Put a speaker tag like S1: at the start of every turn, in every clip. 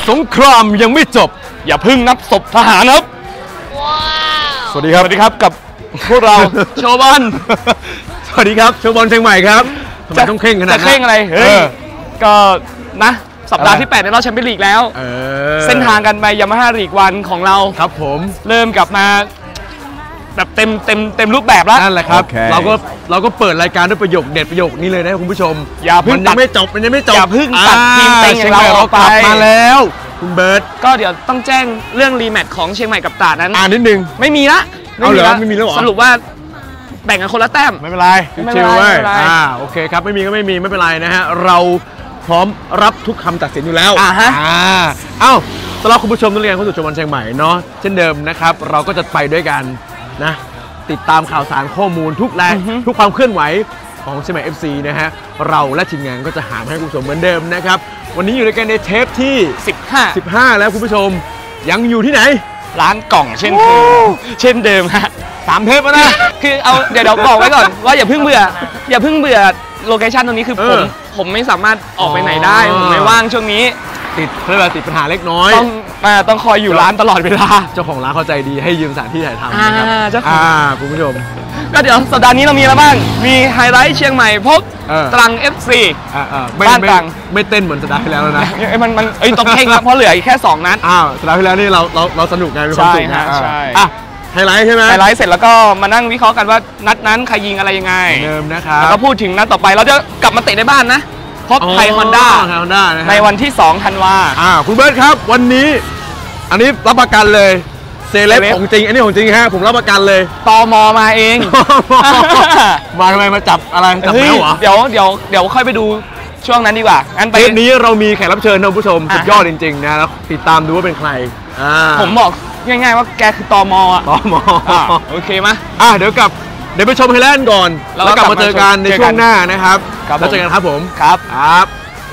S1: สงครามยังไม่จบอย่าเพิ่งนับศพทหารครับสวัสดีครับกับพวกเราโชว์บอลสวัสดีครับโชว์บอลเชียงใหม่ครับทำไมต้องเคร่งขนาดนั้นจะเคร่งอะไรเฮ้ยก็นะสัปดาห์ที่8ในรอบแชมเปี้ยนลีกแล้วเส้นทางกันไปยามาฮ่าลีกวันของเราครับผมเริ่มกลับมาแบบเต็มรูปแบบแล้วนั่นแหละครับเราก็เปิดรายการด้วยประโยคเด็ดประโยคนี้เลยนะคุณผู้ชมอย่าเพิ่งมันยังไม่จบอย่าเพิ่งตัดทีมเต็งของเราออกไปมาแล้วคุณเบิร์ตก็เดี๋ยวต้องแจ้งเรื่องรีแมตช์ของเชียงใหม่กับตราดนั้นนิดนึงไม่มีละไม่มีแล้วสรุปว่าแบ่งกันคนละแต้มไม่เป็นไรชิวๆไว้โอเคครับไม่มีก็ไม่มีไม่เป็นไรนะฮะเราพร้อมรับทุกคำตัดสินอยู่แล้วเอ้าสำหรับคุณผู้ชมนักเรียนเข้าสู่โชว์บอลเชียงใหม่เนาะเช่นเดิมนะครับเราก็จะไปด้วยกันนะติดตามข่าวสารข้อมูลทุกความเคลื่อนไหวของเชียงใหม่ FC นะฮะเราและทีมงานก็จะหาให้คุณผู้ชมเหมือนเดิมนะครับวันนี้อยู่ในกันในเทปที่15แล้วคุณผู้ชมยังอยู่ที่ไหนร้านกล่องเช่นเดิมฮะ3 เทปแล้วนะคือเอาเดี๋ยวบอกไว้ก่อนว่าอย่าเพิ่งเบื่อโลเคชั่นตรงนี้คือผมไม่สามารถออกไปไหนได้ผมไม่ว่างช่วงนี้ติดปัญหาเล็กน้อยต้องคอยอยู่ร้านตลอดเวลาเจ้าของร้านเข้าใจดีให้ยืมสถานที่ถ่ายทำนะครับคุณผู้ชมก็เดี๋ยวสัปดาห์นี้เรามีอะไรบ้างมีไฮไลท์เชียงใหม่พบตรัง FC บ้านตรังไม่เต้นเหมือนสัปดาห์ที่แล้วแล้วนะมันต้องเข่งแล้วเพราะเหลืออีกแค่2 นัดสัปดาห์ที่แล้วนี่เราสนุกไงมีความสุขนะใช่ไฮไลท์ใช่ไหมไฮไลท์เสร็จแล้วก็มานั่งวิเคราะห์กันว่านัดนั้นใครยิงอะไรยังไงเดิมนะครับแล้วก็พูดถึงนัดต่อไปเราจะกลับมาเตะในบ้านนะพบไทยฮอนด้าในวันที่2 ธันวาคุณเบิร์ตครับวันนี้อันนี้รับประกันเลยเซเลบของจริงอันนี้ของจริงฮะผมรับประกันเลยตม.มาเองมาทำไมมาจับอะไรจับแมวเหรอเดี๋ยวค่อยไปดูช่วงนั้นดีกว่างั้นไปเทปนี้เรามีแขกรับเชิญท่านผู้ชมสุดยอดจริงๆนะแล้วติดตามดูว่าเป็นใครผมบอกง่ายๆว่าแกคือตม.โอเคไหมเดี๋ยวไปชมไฮไลท์ก่อนแล้วกลับมาเจอกันในช่วงหน้านะครับแล้วเจอกันครับผมครับ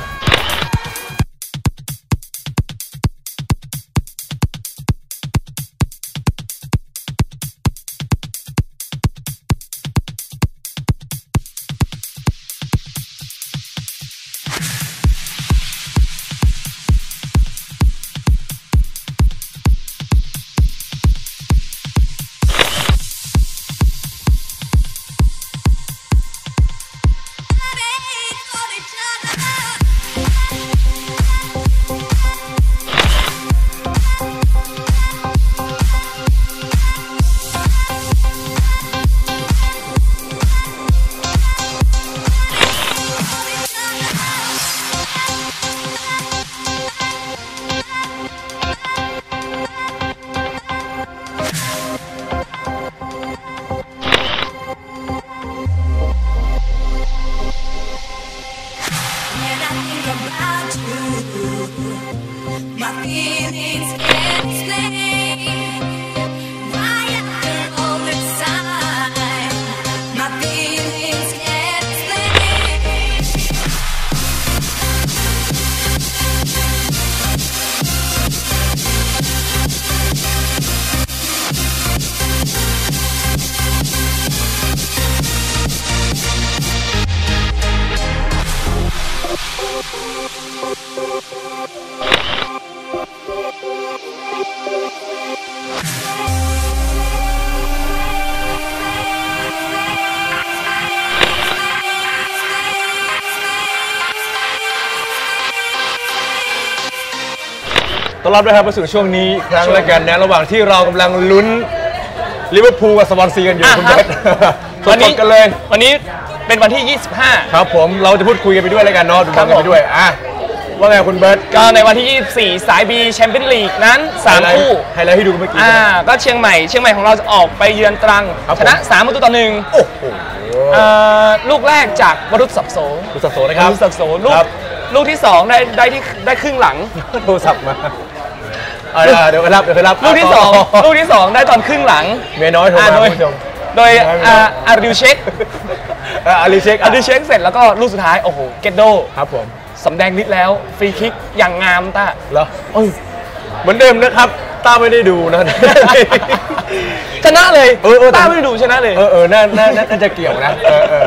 S1: ต้อนรับด้วยครับมาสู่ช่วงนี้ครั้งละกันนะระหว่างที่เรากำลังลุ้นลิเวอร์พูลกับสวอนซีกันอยู่คุณเบิร์ตวันนี้กันเลยวันนี้เป็นวันที่25ครับผมเราจะพูดคุยกันไปด้วยแล้วกันเนาะดูกันไปด้วยว่าไงคุณเบิร์ตก็ในวันที่24สาย B แชมเปี้ยนลีกนั้น3 คู่ไฮไลท์ให้ดูเมื่อกี้ก็เชียงใหม่ของเราจะออกไปเยือนตรังชนะ3-1โอ้โหลูกแรกจากวรุษศักดิ์โสนะครับวรุษศักดิ์โสลูกที่2ได้ครึ่งหลังโทรศัพท์มาเดี๋ยวไปรับลูกที่2ได้ตอนครึ่งหลังเมียน้อยโทรมาคุณผู้ชมโดยอาริวเช็คเสร็จแล้วก็ลูกสุดท้ายโอ้โหเกตโดครับผมสำแดงนิดแล้วฟรีคิกอย่างงามต้าเหรอเหมือนเดิมนะครับต้าไม่ได้ดูนะชนะเลยต้าไม่ได้ดูชนะเลยน่าจะเกี่ยวนะ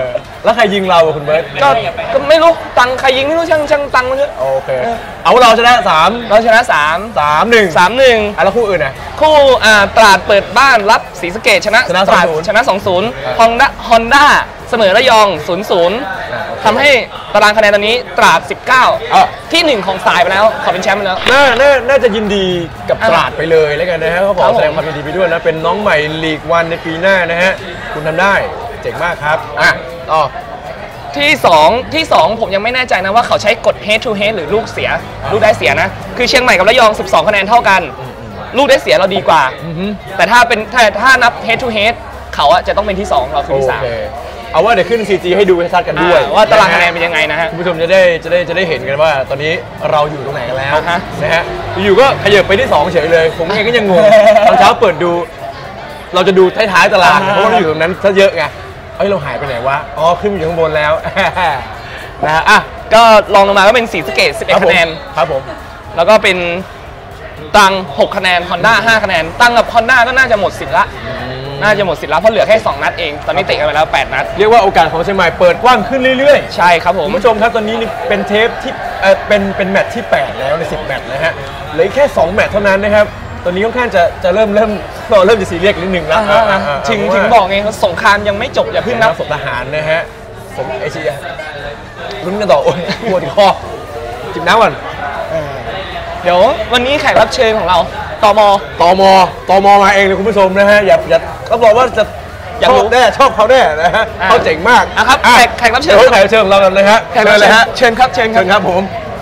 S2: แล้วใครยิงเราคุณเบิร์ต
S1: ก็ไม่รู้ตังใครยิงไม่รู้ช่างตังมันเถอะ
S2: โอเคเอาเราชนะ
S1: เราชนะ
S2: 3-1
S1: 3-1
S2: แล้วคู่อื่นนะ
S1: คู่ตราดเปิดบ้านรับศรีสะเกษชนะตราดชนะ 2-0 Honda เสมอระยอง 0-0 ทำให้ตารางคะแนนตอนนี้ตราด19ที่1ของสายไปแล้วขอเป็นแชมป์ไปแล้ว
S2: น่าจะยินดีกับตราดไปเลยแล้วกันนะฮะเขาขอแสดงความยินดีไปด้วยนะเป็นน้องใหม่ลีกวันในปีหน้านะฮะคุณทำได้เจ๋งมากครับต่อ
S1: ที่2ผมยังไม่แน่ใจนะว่าเขาใช้กฎ head to head หรือลูกเสียลูกได้เสียนะคือเชียงใหม่กับระยอง12คะแนนเท่ากันลูกได้เสียเราดีกว่าแต่ถ้านับ head to head เขาจะต้องเป็นที่2เราคือที่3
S2: เอาว่าเดี๋ยวขึ้น CG ให้ดูให้ชัดกันด้วย
S1: ว่าตารางคะแนนเป็นยังไงนะฮะ
S2: คุณผู้ชมจะได้เห็นกันว่าตอนนี้เราอยู่ตรงไหนกันแล้วนะฮะอยู่ก็ขยับไปที่2เฉยเลยผมเองก็ยังงงตอนเช้าเปิดดูเราจะดูท้ายๆตารางเพราะว่าอยู่ตรงนั้นซะเยอะไงเราหายไปไหนวะขึ้นอยู่ข้างบนแล้วนะฮะ
S1: ก็ลองลงมาก็เป็นศรีสะเกษ11คะแนน
S2: ครับผม
S1: แล้วก็เป็นตัง6คะแนน Honda 5คะแนนตังกับ Honda ก็น่าจะหมดสิทธิ์ละเพราะเหลือแค่2นัดเองตอนนี้เตะกันไปแล้ว8นัด
S2: เรียกว่าโอกาสของเชียงใหม่เปิดกว้างขึ้นเรื่อย
S1: ๆใช่ครับผม
S2: ผู้ชมครับตอนนี้เป็นเทปที่เป็นแมตช์ที่8แล้วใน10แมตช์นะฮะเหลือแค่2แมตช์เท่านั้นนะครับตอนนี้ค่อนข้างจะเริ่มจะซีเรียสนิดนึงแล้ว
S1: ถึงบอกไงสงครามยังไม่จบอย่าเพิ่งนับ
S2: สมทหารนะฮะสมเอเชียรุ่นกันต่อโอ้ยปวดคอจิบน้ำก่อน
S1: เดี๋ยววันนี้แขกรับเชิญของเราต
S2: มมาเองเลยคุณผู้ชมนะฮะอย่ารับรองว่าจะชอบแน่ชอบเขาแน่นะฮะเขาเจ๋งมาก
S1: นะครับแขกรับเชิญ
S2: ของเรากันเลยฮะ
S1: เชิญครับ
S2: ผม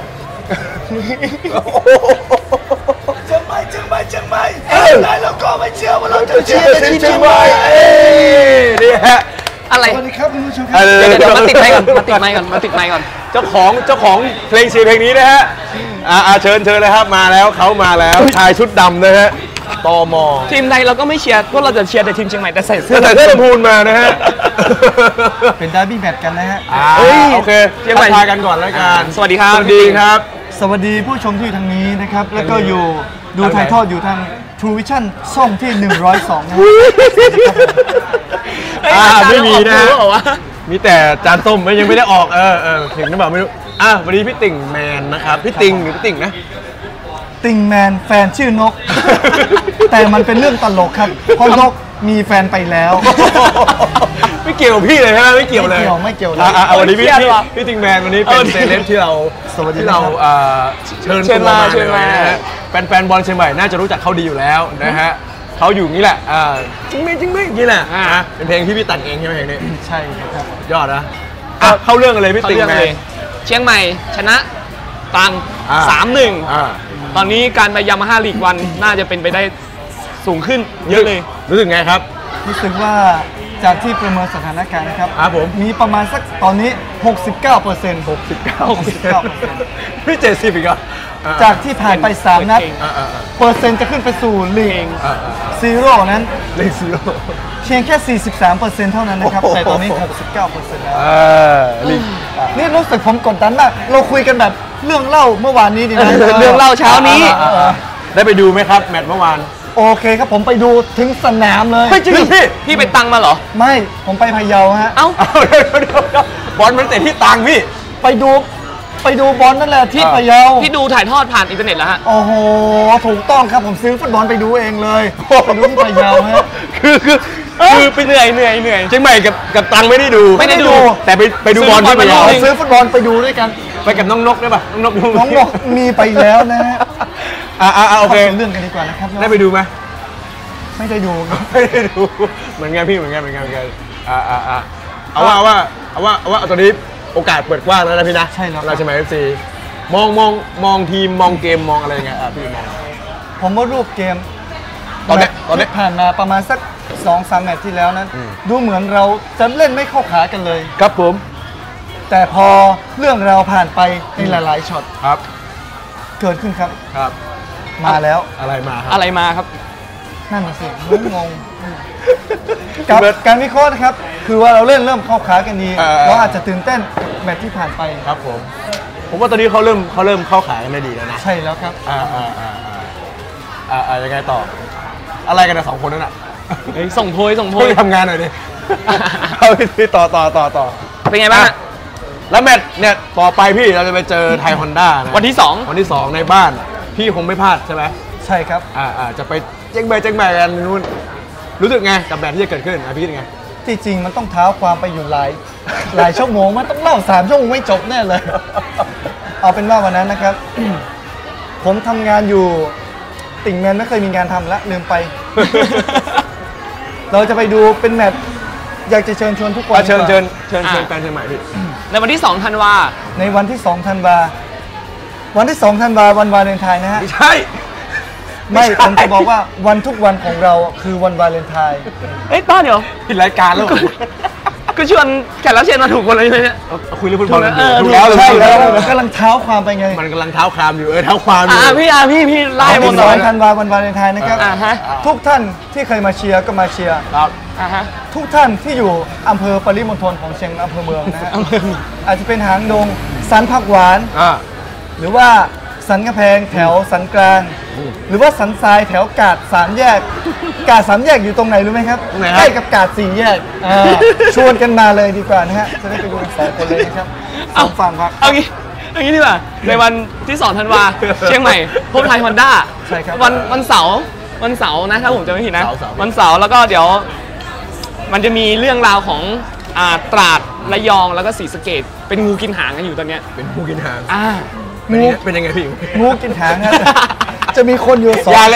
S3: เชียงใหม่ได้แล้วก็ไม่เชื่อว่าเราจะเชียร์ทีมเชียงใหม่
S2: นี่ฮะ
S1: อะไร
S3: สวัสดีครับคุณผู้ชมครับ
S1: เดี๋ยวมาติดไมค์ก่อน
S2: เจ้าของเพลงเพลงนี้นะฮะเชิญเลยครับมาแล้วชายชุดดำนะฮะตม
S1: ทีมใดเราก็ไม่เชียร์พวกเราจะเชียร์แต่ทีมเชียงใหม่แต่ใส่เสื้อ
S2: ลำพูนมานะฮะ
S3: เป็นดาร์บี้แมตช์กันนะฮะ
S2: โอเคเชียงใหม่ทายกันก่อนแล้วกัน
S1: สวัสดีครับ
S3: สวัสดีผู้ชมที่อยู่ทางนี้นะครับแล้วก็อยู่ดูถ่ายทอดอยู่ทาง True Vision ช่องที่102นะ
S2: ไม่มีนะมีแต่จานส้มยังไม่ได้ออกถึงนึกว่าไม่รู้วันนี้พี่ติ่งแมนนะครับพี่ติ่งหรือพี่ติ่งนะ
S3: ติ่งแมนแฟนชื่อนกแต่มันเป็นเรื่องตลกครับเพราะนกมีแฟนไปแล้ว
S2: ไม่เกี่ยวพี่เลยใช่ไหมไม่เกี่ยวเลยวันนี้พี่ติ่งแมนวันนี้เป็นเซเลบที่เราเชิญมาแฟนบอลเชียงใหม่น่าจะรู้จักเขาดีอยู่แล้วนะฮะเขาอยู่นี่แหละจริงไหมนี่แหละเป็นเพลงที่พี่แต่งเองใช่ไหมเพลงนี้
S3: ใช่ครับ
S2: ยอดนะเข้าเรื่องกันเลยพี่ติ่งแมน
S1: เชียงใหม่ชนะตัง3-1ตอนนี้การไปยามาฮ่าลีกวันน่าจะเป็นไปได้สูงขึ้นเยอะเลย
S2: รู้สึกไงครับ
S3: รู้สึกว่าจากที่ประเมินสถานการณ์นะครับ
S2: ผม
S3: มีประมาณสักตอนนี้ 69%
S2: พี่70อีกอ่ะ
S3: จากที่ผ่านไป3นัดเปอร์เซ็นต์จะขึ้นไปสู่ลีกซีโร่นั้น
S2: ลีกซีโร่
S3: เพียงแค่ 43% เท่านั้นนะครับแต่ตอนนี้ 69% แล้วนี่รู้สึกผมกดดันมากเราคุยกันแบบเรื่องเล่าเมื่อวานนี้ดีไหม
S1: เรื่องเล่าเช้านี้
S2: ได้ไปดูไหมครับแมตช์เมื่อวาน
S3: โอเคครับผมไปดูถึงสนามเลย
S2: จริง
S1: พี่ไปตังมาเหรอ
S3: ไม่ผมไปพะเยาฮะ
S2: บอลมันเตะที่ตังพี่
S3: ไปดูบอลนั่นแหละที่พะเยา
S1: พี่ดูถ่ายทอดผ่านอินเทอร์เน็ตแล้วฮะ
S3: โอ้โหถูกต้องครับผมซื้อฟุตบอลไปดูเองเลยไปดูที่พะเยาฮะ
S2: คือไปเหนื่อยเชียงใหม่กับตังไม่ได้ดูแต่ไปดูบอลที่พะเยา
S3: ซื้อฟุตบอลไปดูด้วยกัน
S2: ไปกับน้องนกได้ป่ะน้อง
S3: นกมีไปแล้วนะฮะ
S2: โอเค
S3: เรื่องกันดีกว่านะครับ
S2: ได้ไปดูไหม
S3: ไม่ได้ดู
S2: เหมือนกันพี่เหมือนกันเอาว่าตอนนี้โอกาสเปิดกว้างแล้วนะพี่นะ
S3: ใช่แล้ว
S2: เราใช่ไหม FC มองทีมมองเกมมองอะไรไงพี่มอง
S3: ผมว่ารูปเกม
S2: ตอนนี้
S3: ผ่านมาประมาณสัก 2-3 แมตช์ที่แล้วนั้นดูเหมือนเราจะเล่นไม่เข้าขากันเลย
S2: ครับผม
S3: แต่พอเรื่องเราผ่านไปในหลายๆช็อต
S2: ครับ
S3: เกิดขึ้นครับมาแล้ว
S2: อะไรมา
S1: ครับ
S3: นั่นน่ะสิงงกับการวิเคราะห์นะครับคือว่าเราเริ่มเข้าขากันดีเราอาจจะตื่นเต้นแมตช์ที่ผ่านไป
S2: ครับผมว่าตอนนี้เขาเริ่มเข้าขากันได้ดีแล้วนะ
S3: ใช่แล้วครับ
S2: ยังไงต่ออะไรกันนะ2 คนนั้นอ่ะ
S1: ส่งโพย
S2: ทำงานหน่อยดิเอาไปต่อ
S1: เป็นไงบ้าง
S2: แล้วแมตช์เนี่ยต่อไปพี่เราจะไปเจอไทยฮอนด้านะ
S1: วันที่2
S2: วันที่2ในบ้านพี่คงไม่พลาดใช่ไหม
S3: ใช่ครับ
S2: จะไปแจ้งแบกันนู่นรู้สึกไงกับแมตช์ที่จะเกิดขึ้นพี่ยังไง
S3: ที่จริงมันต้องเท้าความไปอยู่หลายชั่วโมงมันต้องเล่า3 ชั่วโมงไม่จบแน่เลย เอาเป็นว่าวันนั้นนะครับ ผมทำงานอยู่ติ่งแมนไม่เคยมีงานทำแล้วลืมไป เราจะไปดูเป็นแมตช์อยากจะเชิญชวนทุกคน
S2: เชิญแฟนเชียงใหม่พี่
S1: ในวันที่2 ธันวา
S3: ในวันที่2 ธันวาวันที่2 ธันวาวันวาเลนไทน์นะฮะ
S2: ไม่ใช่
S3: ไม่ผมจะบอกว่าวันทุกวันของเราคือวันวาเลนไทน์
S1: ป้าเดี๋ยว
S2: ผิดรายการแล้ว
S1: ก็ชวนแขกรับเชิญมาถูกคนเลยใช่ไหม
S2: คุยเรื่องฟุตบอล
S3: ถูกแล้วใช่แล้วกำลังเท้าความไปไง
S2: มันกำลังเท้าความอยู่เท้าความอยู่
S1: พี่ไล่หมดเลย
S3: 2 ธันวาวันวาเลนไทน์นะครับทุกท่านที่เคยมาเชียร์ก็มาเชียร์
S2: ครับ
S3: ทุกท่านที่อยู่อำเภอปริมณฑลของเชียงอำเภอเมืองนะฮะอาจจะเป็นหางดงสันผักหวานหรือว่าสันกระแพงแถวสันกลางหรือว่าสันทรายแถวกาด3 แยกกาด3 แยกอยู่ตรงไหนรู้ไหมครับใกล้กับกาด4 แยกชวนกันมาเลยดีกว่านะฮะจะได้ไปดูกัน2 คนเลยนะครับ2 ฝั่งครับ
S1: เอางี้ดีกว่าในวันที่2 ธันวาเชียงใหม่พบไทยฮอนด้า
S3: ใช่ครับ
S1: วันเสาร์นะถ้าผมจำไม่ผิดนะวันเสาร์แล้วก็เดี๋ยวมันจะมีเรื่องราวของตราดระยองแล้วก็ศรีสะเกษเป็นงูกินหางกันอยู่ตอนเนี้ย
S2: เป็นงูกินหาง
S3: งู
S2: เป็นยังไงพี่
S3: งูกินหางครับจะมีคนอยู่2
S2: อย่าเลย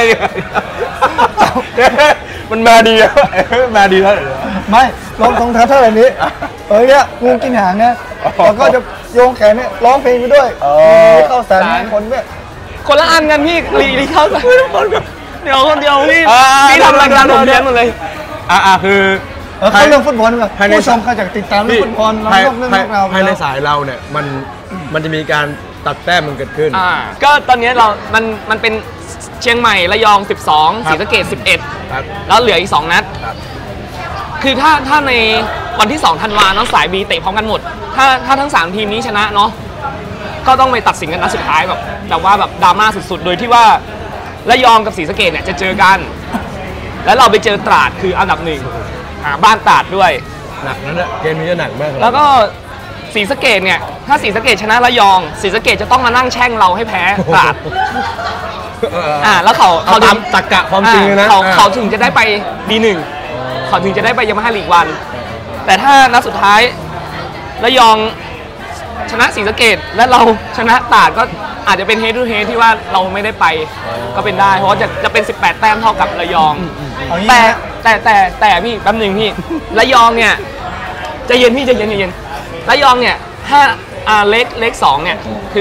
S2: มันมาดีแล้วมาดีแล้ว
S3: ไม่ลองท้าเท่าไหร่นี้เนี่ยงูกินหางนะแล้วก็จะโยงแขนเนี่ยร้องเพลงไปด้วยเข้าสารคนด้วย
S1: คนละอันกันพี่รีเข้าสารเดี๋ยวคนเดียวพี่ทำรายการผมเลี้ยงหมดเลย
S2: คือ
S3: เขาเรื่องฟุตบอลแบบผู้ชมเขาจากติดตามเรื่องฟุตบอลเราเรื่องเรา
S2: ภายในสายเราเนี่ยมันจะมีการตัดแต้มมันเกิดขึ้น
S1: ก็ตอนนี้มันเป็นเชียงใหม่ระยอง12ศรีสะเกษ11แล้วเหลืออีก2 นัดคือถ้าในวันที่2 ธันวาเนาะสาย B เตะพร้อมกันหมดถ้าทั้ง3 ทีมนี้ชนะเนาะก็ต้องไปตัดสินกันนัดสุดท้ายแบบว่าแบบดราม่าสุดๆโดยที่ว่าระยองกับศรีสะเกษเนี่ยจะเจอกันแล้วเราไปเจอตราดคืออันดับ1บ้านตราดด้วย
S2: หนักนั่นแหละเกมนี้จะหนักมาก
S1: แล้วก็ศรีสะเกษเนี่ยถ้าศรีสะเกษชนะระยองศรีสะเกษจะต้องมานั่งแช่งเราให้แพ้ตราดแล้วเขา
S2: ตามตรรกะความจริงนะ
S1: เขาถึงจะได้ไป D1 เขาถึงจะได้ไปยามาฮ่าลีกวันแต่ถ้านัดสุดท้ายระยองชนะศรีสะเกษและเราชนะตราดก็อาจจะเป็นเฮดทูเฮดที่ว่าเราไม่ได้ไปก็เป็นได้เพราะว่าจะเป็น18 แต้มเท่ากับระยองแต่พี่แป๊บนึงพี่ระยองเนี่ยใจเย็นพี่ใจเย็นระยองเนี่ยเล็ก2เนี่ยคือ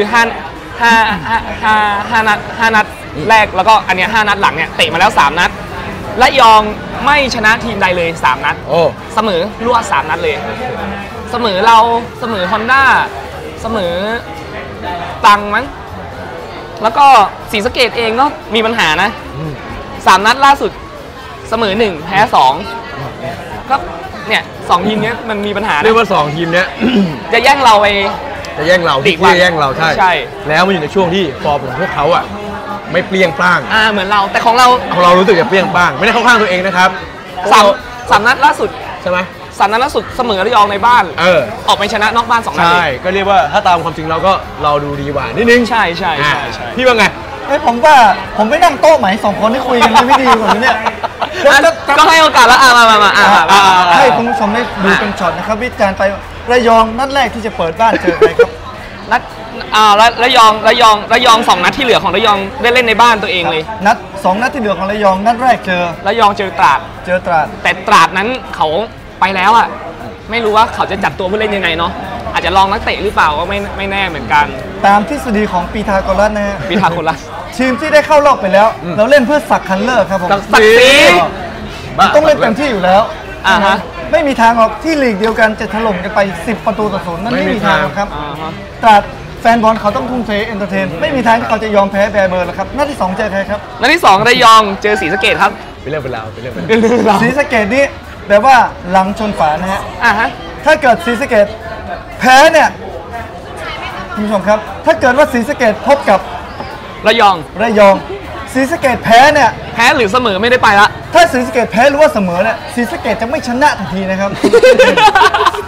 S1: 5 นัดแรกแล้วก็อันเนี้ย5 นัดหลังเนี่ยเตะมาแล้ว3 นัดระยองไม่ชนะทีมใดเลย3 นัดเสมอรวด3 นัดเลยเสมอเราเสมอฮอนด้าเสมอตังมั้งแล้วก็ศรีสะเกษเองก็มีปัญหานะ3 นัดล่าสุดเสมอ1แพ้2ก็เนี่ย2 ทีมนี้มันมีปัญหา
S2: เรียกว่า2 ทีมเนี้ย
S1: จะแย่งเราไป
S2: จะแย่งเราที่แย่งเราใช่แล้วมันอยู่ในช่วงที่ฟอร์มของพวกเขาไม่เปรี้ยงป้าง
S1: เหมือนเราแต่ของเรา
S2: รู้สึกจะเปรี้ยงป้างไม่ได้เข้าข้างตัวเองนะครับ
S1: 3 นัดล่าสุด
S2: ใช่ไหม
S1: 3 นัดล่าสุดเสมอระยองในบ้านออกไปชนะนอกบ้าน2 นัด
S2: ใช่ก็เรียกว่าถ้าตามความจริงเราดูดีกว่านิดนึง
S1: ใช่
S2: พี่ว่าไง
S3: ผมว่าผมไม่นั่งโต๊ะไหม2 คนที่คุยกันไม่ดีกว่านี้เนี่ย
S1: ก็ให้โอกาสแล้วมา
S3: ให้คุณผู้ชมได้ดูเป็นช็อตนะครับวิจารณ์ไประยองนัดแรกที่จะเปิดบ้านเจอใครครับ
S1: นัดระยอง2 นัดที่เหลือของระยองได้เล่นในบ้านตัวเองเลย
S3: 2 นัดที่เหลือของระยองนัดแรกเจอ
S1: ระยองเจอตราดแต่ตราดนั้นเขาไปแล้วไม่รู้ว่าเขาจะจัดตัวผู้เล่นยังไงเนาะอาจจะลองนักเตะหรือเปล่าก็ไม่แน่เหมือนกัน
S3: ตามทฤษฎีของปีทาโกรัสนะฮะ
S1: ปีทาโกรัส
S3: ทีมที่ได้เข้ารอบไปแล้วเราเล่นเพื่อศักดิ์คันเลอร์ครับผม
S1: ศักดิ์ศรี
S3: ต้องเล่นเต็มที่อยู่แล้วไม่มีทางหรอกที่ลีกเดียวกันจะถล่มกันไป10-0นั่นไม่มีทางครับตราดแฟนบอลเขาต้องทุ่มเทเอนเตอร์เทนไม่มีทางที่เขาจะยอมแพ้แบร์เบอร์แล้วครับนัดที่2เจอใครครับ
S1: นัดที่2ระยองเจอศรีสะเกษครับ
S2: เป็นเรื่องเป็นราว
S3: ศรีสะเกษนี่แบบว่าหลังชนฝานะฮะถ้าเกิดศรีสะเกษแพ้เนี่ยคุณผู้ชมครับถ้าเกิดว่าศรีสะเกษพบกับ
S1: ระยอง
S3: ศรีสะเกษแพ้เนี่ย
S1: แพ้หรือเสมอไม่ได้ไปละ
S3: ถ้าศรีสะเกษแพ้หรือว่าเสมอเนี่ยศรีสะเกษจะไม่ชนะทันทีนะครับ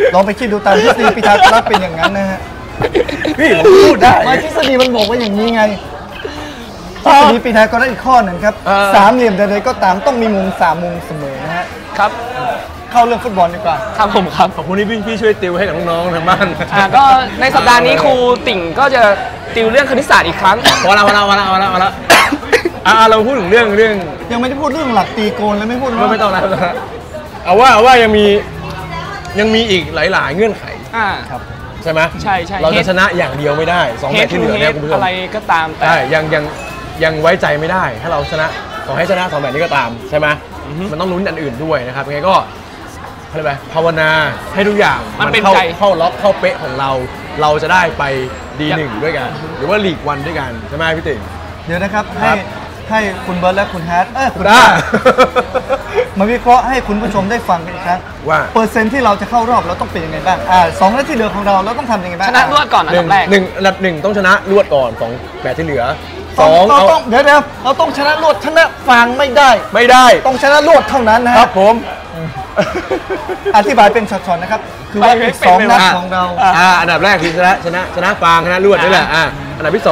S3: ลองไปคิดดูตามทฤษฎีพีทาโกรัสเป็นอย่างนั้นนะฮะ
S2: พี่ผมพูดได้
S3: มาทฤษฎีมันบอกว่าอย่างนี้ไงทฤษฎีพีทาโกรัสอีกข้อหนึ่งครับสามเหลี่ยมใดๆก็ตามต้องมีมุม3 มุมเสมอนะฮะ
S1: ครับ
S3: เข้าเรื่องฟุตบอลดีกว่า
S1: ครับผมครับ
S2: ขอบคุณที่พี่ช่วยติวให้กับน้องๆทางบ้าน
S1: ก็ในสัปดาห์นี้ครูติ่งก็จะติวเรื่องคณิตศาสตร์อีกครั้ง
S2: พอแล้วเราพูดถึงเรื่อง
S3: ยังไม่ได้พูดเรื่องหลักตีโกนเลยไม่พูด
S2: ไม่ต้องแล้วเอาว่ายังมีอีกหลายๆเงื่อนไข
S3: ครับ
S2: ใช่ไหม
S1: ใช่
S2: เราจะชนะอย่างเดียวไม่ได้2 แมตช์ที่เหลือเนี่ยคุณผู้ชม
S1: อะไรก็ตามแต่
S2: ใช่ยังไว้ใจไม่ได้ ถ้าเราชนะขอให้ชนะ2 แมตช์นี้ก็ตามใช่ไหมมันต้องลุ้นอันอื่นด้วยนะครับยังไงก็อะไรไปภาวนาให้ทุกอย่าง
S1: มันเป็น
S2: เข้าล็อกเข้าเป๊ะของเราจะได้ไปD1ด้วยกัน หรือว่าลีกวันด้วยกันใช่ไหมพี่ติ๋ง
S3: เดี๋ยวนะครับให้คุณเบิร์ตและคุณแฮทคุณ
S2: ได้
S3: มาวิเคราะห์ให้คุณผู้ชมได้ฟังกันอีกครั้ง
S2: ว่า
S3: เปอร์เซ็นต์ที่เราจะเข้ารอบเราต้องเป็นยังไงบ้าง2 นัดที่เหลือของเราต้องทำยังไงบ้าง
S1: ชนะรวดก่อนอันดับแรก
S2: อันดับ 1ต้องชนะรวดก่อน2 แมตช์ที่เหลือ
S3: เราต้องเดี๋ยวเราต้องชนะรวดชนะฟังไม่ได้ ต้องชนะรวดเท่านั้นนะครับ
S2: ผม
S3: อธิบายเป็นช็อตๆนะครับคือว่าอีก2 นัดของเรา
S2: อันดับแรกคือชนะฟางชนะรวดนี่แหละอันดับที่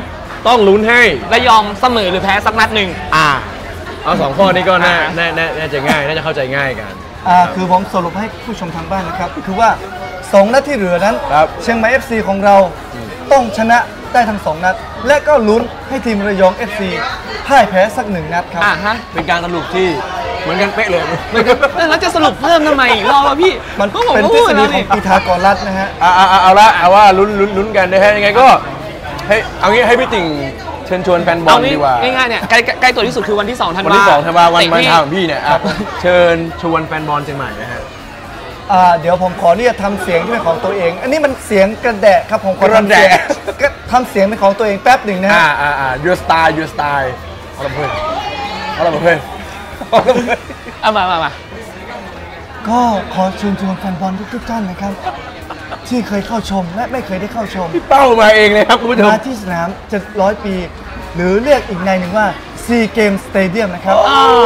S2: 2ต้องลุ้นให้
S1: ระยองเสมอหรือแพ้สักนัดหนึ่ง
S2: เอา2 ข้อนี้ก็น่าจะง่ายน่าจะเข้าใจง่ายกัน
S3: คือผมสรุปให้ผู้ชมทางบ้านนะครับคือว่า2 นัดที่เหลือนั้น
S2: ครับ
S3: เชียงใหม่ FC ของเราต้องชนะได้ทั้ง2 นัด และก็ลุ้นให้ทีมระยอง FC พ่ายแพ้สัก1 นัดครับ
S2: เป็นการสรุปที่เหมือนกันเป๊ะเลย
S1: แล้วจะสรุปเพิ่มทำไมอีกรอบวะพี่
S3: มัน
S1: ก็ผม
S3: เป็น
S1: ก็
S3: ทฤ
S1: พูด
S3: ษฎี
S1: แล้ว
S3: ขอ
S1: นี่
S3: งพีทาโกรัสนะฮะ
S2: เอาว่าลุ้นกันนะฮะยังไงก็เอางี้ให้พี่ติ่งเชิญชวนแฟนบอ
S1: เอา
S2: ลดีกว่า
S1: ง่ายๆเนี่ยใกล้ตัวที่สุดคือวันที่2 ธันวา
S2: วันที่2 ธันวาวัน
S1: เตะ
S2: วัน
S1: ที่
S2: ทางของพี่เนี่ยเชิญชวนแฟนบอลเชียงใหม่นะฮะ
S3: เดี๋ยวผมขอเรียกทำเสียงที่เป็นของตัวเอง อันนี้มันเสียงกระแดะครับผมขอทำเสียงทำเสียงเป็นของตัวเองแป๊บหนึ่งนะฮะ
S2: your style เอาละเพื่อน
S1: มา
S3: ก็ขอเชิญชวนแฟนบอลทุกท่านนะครับ ที่เคยเข้าชมและไม่เคยได้เข้าชม
S2: เป้ามาเองเลยครับคุณผู้ชม
S3: มาที่สนาม700 ปี หรือเรียกอีกในหนึ่งว่า SEA Games Stadium นะครับ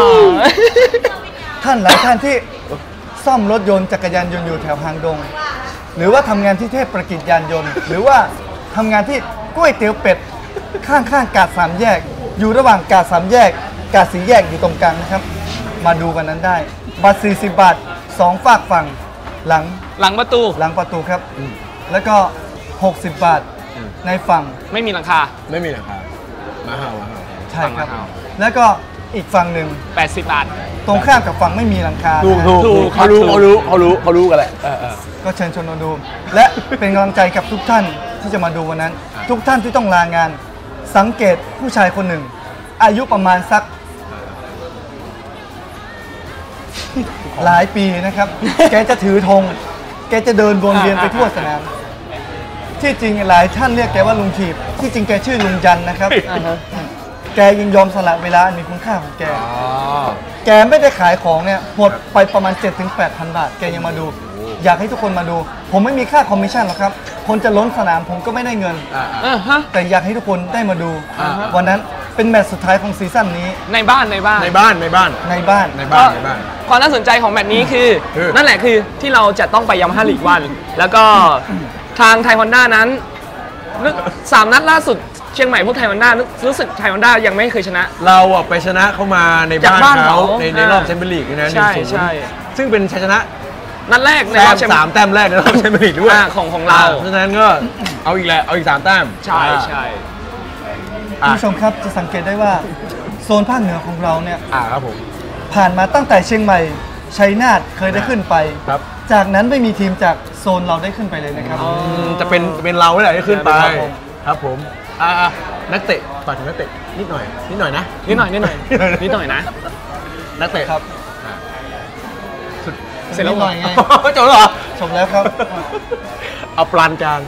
S3: ท่านหลายท่านที่ซ่อมรถยนต์จักรยานยนต์อยู่แถวหางดง หรือว่าทำงานที่เทพประกิจยานยนต์ หรือว่าทำงานที่ก๋วยเตี๋ยวเป็ดข้างกาด3 แยก อยู่ระหว่างกาด3 แยกกาด4 แยกอยู่ตรงกลางนะครับมาดูกันนั้นได้บัตร40 บาท2 ฝากฝั่งหลังประตูครับแล้วก็60 บาทในฝั่ง
S1: ไม่มีหลังคา
S2: ไม่มีหรอครับมาเห่า
S3: ใช่ครับ
S1: ฝั่งละ
S3: แล้วก็อีกฝั่งหนึ่ง
S1: 80 บาท
S3: ตรงข้ามกับฝั่งไม่มีหลังคา
S2: ถูกเขารู้กันแหละ
S3: ก็เชิญชวนมาดู และเป็นกำลังใจกับทุกท่านที่จะมาดูวันนั้น ทุกท่านที่ต้องลางาน สังเกตผู้ชายคนหนึ่ง อายุประมาณสักหลายปีนะครับ แกจะถือธงแกจะเดินวนเวียนไปทั่วสนามที่จริงหลายท่านเรียกแกว่าลุงถีบที่จริงแกชื่อลุงยันนะครับ แกยังยอมสละเวลาอันมีคุณค่าของแก แกไม่ได้ขายของเนี่ยหมดไปประมาณ 7-8,000 บาท แกยังมาดู อยากให้ทุกคนมาดู ผมไม่มีค่าคอมมิชชั่นหรอกครับ คนจะล้นสนามผมก็ไม่ได้เงิน แต่อยากให้ทุกคนได้มาดู วันนั้นเป็นแมตช์สุดท้ายของซีซั่นนี้
S1: ในบ้าน ความน่าสนใจของแมตช์นี้คือนั่นแหละคือที่เราจะต้องไปยามาฮ่าลีกวันแล้วก็ทางไทยฮอนด้านั้น3 นัดล่าสุดเชียงใหม่พวกไทยฮอนด้ารู้สึกไทยฮอนด้ายังไม่เคยชนะ
S2: เราไปชนะเขามาในบ้านเขาในรอบแชมเปี้ยนลีกนะ
S1: ใช่
S2: ซึ่งเป็นชัยชนะ
S1: นัดแรกในรอบ
S2: 3 แต้มแรกในรอบแชมเปี้ยนลีกด้วย
S1: ของเรา
S2: เพราะฉะนั้นก็เอาอีก3 แต้ม
S1: ใช่
S3: คุณผู้ชมครับจะสังเกตได้ว่าโซนภาคเหนือของเราเนี่ย
S2: ครับผม
S3: ผ่านมาตั้งแต่เชียงใหม่ชัยนาทเคยได้ขึ้นไป จากนั้นไม่มีทีมจากโซนเราได้ขึ้นไปเลยนะครับ
S2: จะเป็นเราแหละที่ขึ้นไปครับผมนักเตะฝากถึงนักเตะนิดหน่อยนะนิดหน่อย
S1: นะ
S2: นักเตะครับ
S3: เสร็จแล้วหน่อยไง
S2: จบแล้วเหรอ
S3: จบแล้วครับ
S2: เอาปานกลาง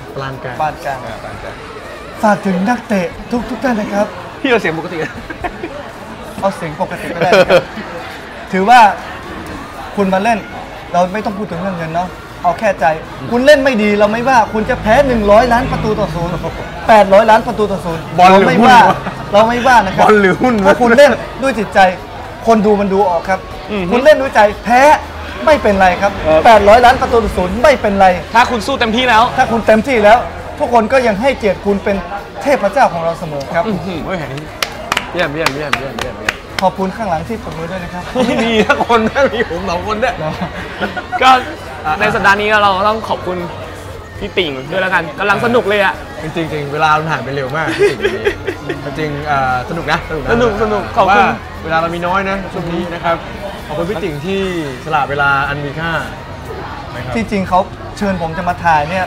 S3: ฝากถึงนักเตะทุกท่านนะครับ
S2: พี่เราเสียงปกติ
S3: เอาเสียงปกติก็ได้ครับถือว่าคุณมาเล่นเราไม่ต้องพูดถึงเรื่องเงินเนาะเอาแค่ใจคุณเล่นไม่ดีเราไม่ว่าคุณจะแพ้100 ล้านประตูต่อ0 800 ล้านประตูต่อ0
S2: บอลหรือหุ้น
S3: เราไม่ว่านะครับ
S2: บอลหรือหุ้น
S3: ถ้าคุณเล่นด้วยจิตใจคนดูมันดูออกครับคุณเล่นด้วยใจแพ้ไม่เป็นไรครับ800 ล้านประตูต่อ0ไม่เป็นไร
S1: ถ้าคุณสู้เต็มที่แล้ว
S3: ถ้าคุณเต็มที่แล้ว ทุกคนก็ยังให้เกียรติคุณเป็นเทพเจ้าของเราเสมอครับ
S2: โอ้ยเยี่ยม
S3: ขอบคุณข้างหลังที่ปรบมือด้วยนะครับ
S2: ไม่มีทั้งคนนะมีผม2 คนเนี่ย
S1: ก็ในสัปดาห์นี้เราต้องขอบคุณพี่ติ่งด้วยแล้วกันกำลังสนุกเลยอ่ะ
S2: จริงๆเวลามันผ่านไปเร็วมากจริงสนุกนะ
S1: สนุกขอบคุณ
S2: ว่าเวลาเรามีน้อยนะช่วงนี้นะครับขอบคุณพี่ติ่งที่สละเวลาอันมีค่านะครับ
S3: ที่จริงเขาเชิญผมจะมาถ่ายเนี่ย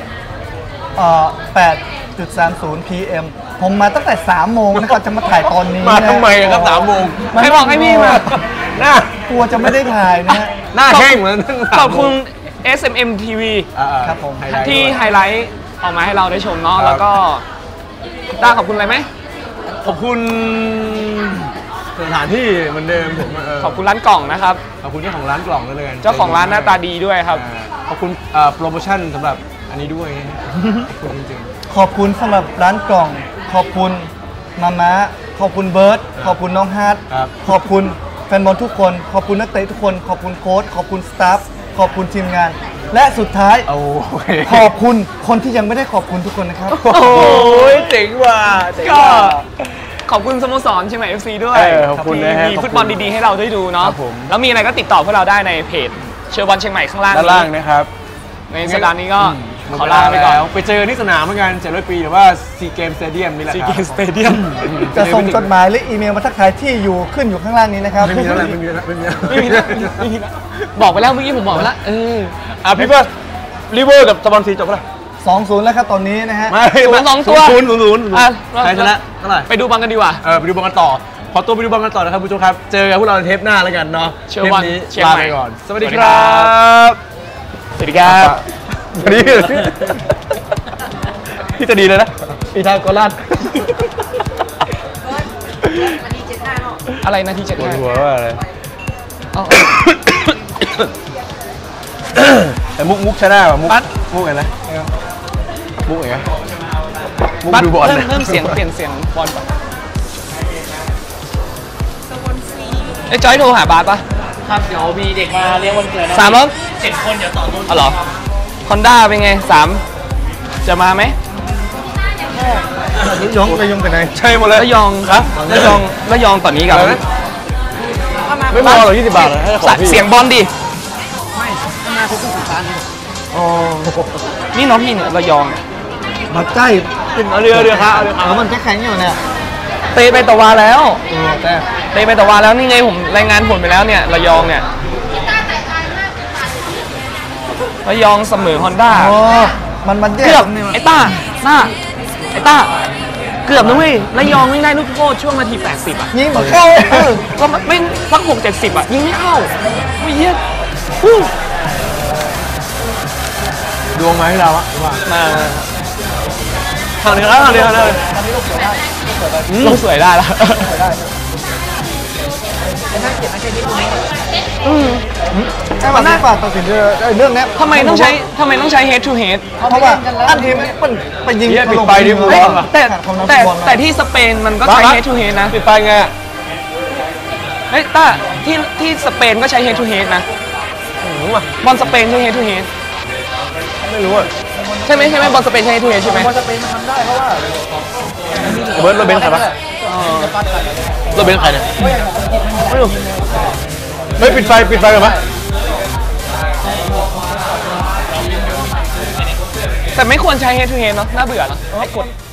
S3: 8.30 PM ผมมาตั้งแต่ 3 โมงนะครับจะมาถ่ายตอนนี้
S2: มา
S3: นะ
S2: ทำไมครับ3 โมง
S1: ใครบอกให้พี่มา
S2: หน้าก
S3: ลัวจะไม่ได้ถ่ายนะฮะ
S2: หน้าแห้งเหมือน
S1: ขอบคุณ SMM TV
S3: ครับผม
S1: ที่ไฮไลท์ออกมาให้เราได้ชมเนาะแล้วก็ต้าขอบคุณอะไรไหม
S2: ขอบคุณสถานที่เหมือนเดิมผม
S1: ขอบคุณร้านกล่องนะครับ
S2: ขอบคุณเจ้าของร้านกล่องด้วยเลย
S1: เจ้าของร้านหน้าตาดีด้วยครับ
S2: ขอบคุณโปรโมชั่นสำหรับอันนี้ด้วยนะฮะขอบคุณจริง
S3: ขอบคุณสำหรับร้านกล่อง ขอบคุณมาม่าขอบคุณเบิร์ตขอบคุณน้องฮาร์ด
S2: ครับ
S3: ขอบคุณแฟนบอลทุกคน ขอบคุณนักเตะทุกคน ขอบคุณโค้ชขอบคุณสตาฟขอบคุณทีมงาน และสุดท้าย
S2: ๆโอเค
S3: ขอบคุณคนที่ยังไม่ได้ขอบคุณทุกคนนะครับ
S2: โอ้ยเจ๋งว่ะเจ๋ง
S1: ก็
S2: ว่ะ
S1: ขอบคุณสโมสรเชียงใหม่ FC ด้วย
S2: ขอบคุณนะฮะ
S1: ที่มีฟุตบอลดีๆให้เราได้ดูเนาะ
S2: ครับผม
S1: แล้วมีอะไรก็ติดต่อพวกเราได้ในเพจเชียร์บอลเชียงใหม่ข้างล่าง
S2: ด้านล่างนะครับ
S1: ในสัปดาห์นี้ก็
S2: ข
S1: ข
S2: อ
S1: อ
S2: ลา
S1: ลา
S2: ไป
S1: ไป
S2: ก่
S1: ก่
S2: อ
S1: อน น
S2: ไปเจอที่สนามเหมือนกัน700 ปีหรือว่าซีเกมสเตเดียมนี่แหละ
S1: ซี
S2: ค
S1: เก
S2: รับ
S1: มสเตเดียม
S3: จะส่งจดหมายหรืออีเมลมาทักทายที่อยู่ขึ้นอยู่ข้างล่างนี้นะครับ
S2: ไม่มีแล้วแหละไม่มีแล้วไม่มีแล้ว
S1: ไม่มีแล้วไม่มีแล้วบอกไปแล้วเมื่อกี้ผมบอกไปแล้ว
S2: พี่เบิร์ดลิเวอร์กับสปอนซีจบแล้ว
S3: 2-0 แล้วครับตอนนี้นะฮะ
S2: ไม่
S1: 0-2ตัว
S2: 0-0
S1: อ่ะ
S2: ใครชนะเท่าไหร่
S1: ไปดูบอลกันดีกว่า
S2: ไปดูบอลกันต่อขอตัวไปดูบอลกันต่อนะครับผู้ชมครับเจอกันพวกเราในเทปหน้าแล้วกันเนาะ
S1: เชียร์บอล
S2: ทปนี้
S1: เชียง
S2: ลา
S1: ใหม่
S2: ไปก่อนสวัสดี
S1: สวัสดี
S2: ค
S1: ครั
S2: รับ
S1: สวัสดีครับ
S2: สวัสดีพี่จะดีเลยนะอีทางกอลัด
S1: อะไรนาทีเจ็ด
S2: ปวด
S1: ห้า
S2: หัวว่าอะไร
S1: เอา
S2: แต่มุกชนะว่ะมุกไงนะมุกไงมุก
S1: บัส
S2: ดูบอล
S1: เริ่มเสียงเปลี่ยนเสียงบอลก่อนไอ้จอยโทรหาบาสปะ
S4: ครับเดี๋ยวมีเด็กมาเลี้ยงวันเกิดนะ
S1: 3 แล้ว
S4: 7 คนเดี๋ยวต่อรุ่น
S1: อ๋อเหรอคอนด้าเป็นไง3จะมาไหม
S3: ยงไปยงไปไหน
S2: ใช่หมดเลย
S1: ระยองครับระยองตอนนี้กับ
S2: อะไรนะไม่พอหรอก20 บาทให้ของพี่
S1: เสียงบอลดินี่น้องพี่เนี่ยระยอง
S3: มาใกล้
S2: เอาเรือครับเอาเรือ
S3: แล้วมันแข็งอยู่เนี่ย
S1: เตะไปตะวาแล้ว
S3: แต่
S1: เตะไปตะวาแล้วนี่ไงผมรายงานผลไปแล้วเนี่ยระยองเนี่ยระยองเสมอฮอนด้า
S3: อ๋อมันแย่
S1: เกือบ
S3: ตรงนี้
S1: ไอ้ต้าเกือบนะเว้ยระยองไม่ได้ลูกโทษช่วงนาที80อ่ะ
S3: ยิงหมดเข้า
S1: ก็ไม่สัก60-70อ่ะยิงไม่เข้าไม่เยี่ยฮู้
S2: ดวงมาให้เราอะ
S1: มา
S2: ทางนี้ครับทางนี้
S1: ลงสวยได้แล้ว
S3: ใช่ป่ะที่ฝาตัดสินเรื่องนี้
S1: ทำไมต้องใช้ head to head
S3: เพราะว่าอันทีมันไปยิง
S2: ปิดไฟดิ
S1: เฮ้ย
S2: บอล
S1: แต่ที่สเปนมันก็ใช้ head to head นะ
S2: ปิดไฟไง
S1: เฮ้ยต้าที่สเปนก็ใช้ head to head นะบอลสเปนใช้ head to head
S2: ไม่รู้อะ
S1: ใช่ไหมบอลสเปนใช้ head to head ใช่ไหม
S2: เบิร์ดรถเบนซ์ใครปะรถเบนซ์ใครเนี่ยไม่รู้เฮ้ยปิดไฟกันปะ
S1: แต่ไม่ควรใช้ head to head เนาะน่าเบื่อเนาะให้กด